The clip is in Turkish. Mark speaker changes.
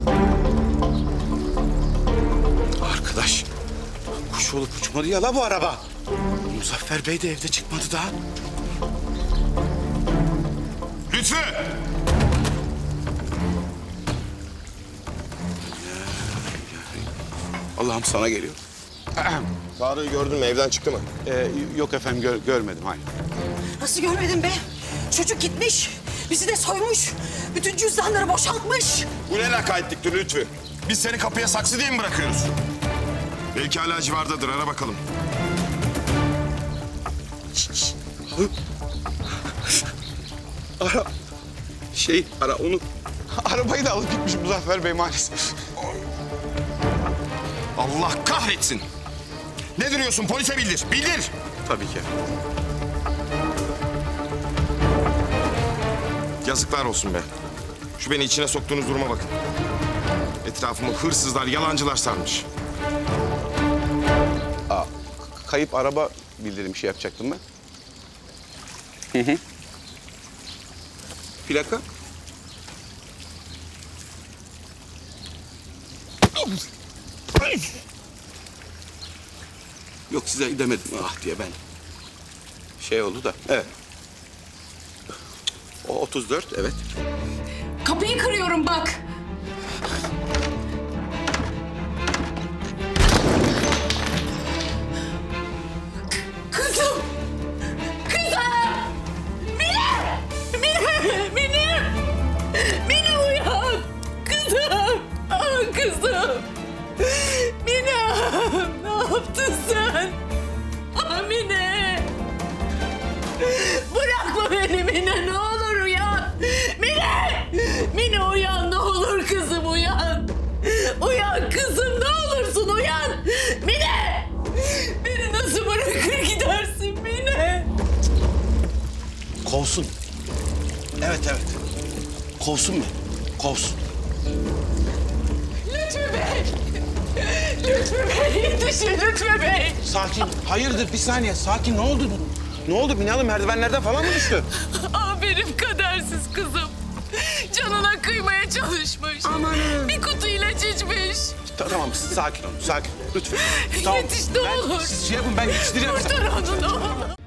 Speaker 1: Arkadaş, kuş olup uçmadı ya la bu araba. Muzaffer Bey de evde çıkmadı daha.
Speaker 2: Lütfü!
Speaker 1: Allah'ım sana geliyor.
Speaker 2: Tarık'ı gördün mü? Evden çıktı mı?
Speaker 1: Yok efendim görmedim hayır.
Speaker 3: Nasıl görmedin be? Çocuk gitmiş. Bizi de soymuş. Bütün cüzdanları boşaltmış.
Speaker 2: Bu ne lakaytlıktır Lütfü? Biz seni kapıya saksı diye mi bırakıyoruz? Belki hala civardadır. Ara bakalım.
Speaker 1: Ara onu. Arabayı da alıp gitmiş Muzaffer Bey maalesef.
Speaker 2: Allah kahretsin! Ne duruyorsun? Polise bildir. Bildir!
Speaker 1: Tabii ki.
Speaker 2: Yazıklar olsun be. Şu beni içine soktuğunuz duruma bakın. Etrafımı hırsızlar, yalancılar sarmış.
Speaker 1: Kayıp araba bildirim şey yapacaktım ben. Hı. Plaka? Yok size demedim ah diye ben. Şey oldu da evet. O 34 evet.
Speaker 3: Kapıyı kırıyorum bak. Kızım! Kızım! Mine! Mine! Mine! Mine uyan! Kızım! Ah kızım! Mine! Ne yaptın sen? Ah Mine! Bırakma beni Mine, ne olur uyan! Mine! Mine uyan, ne olur kızım uyan! Uyan kızım, ne olursun uyan! Mine! Beni nasıl bırakır gidersin Mine?
Speaker 1: Kovsun. Evet. Kovsun mu? Kovsun.
Speaker 3: Lütfü Bey! Lütfü Bey, yetişin Lütfü Bey!
Speaker 1: Sakin. Hayırdır bir saniye. Sakin. Ne oldu? Ne oldu? Mine Hanım merdivenlerden falan mı düştü?
Speaker 3: Ah benim kadersiz kızım. Canına kıymaya çalışmış.
Speaker 1: Amanın.
Speaker 3: Bir kutu ilaç içmiş.
Speaker 1: Tamam sakin olun. Sakin. Lütfen.
Speaker 3: Yetiş ne olur.
Speaker 1: Siz şey yapın ben yetiştiriyorum.
Speaker 3: Kurtar onu ne olur.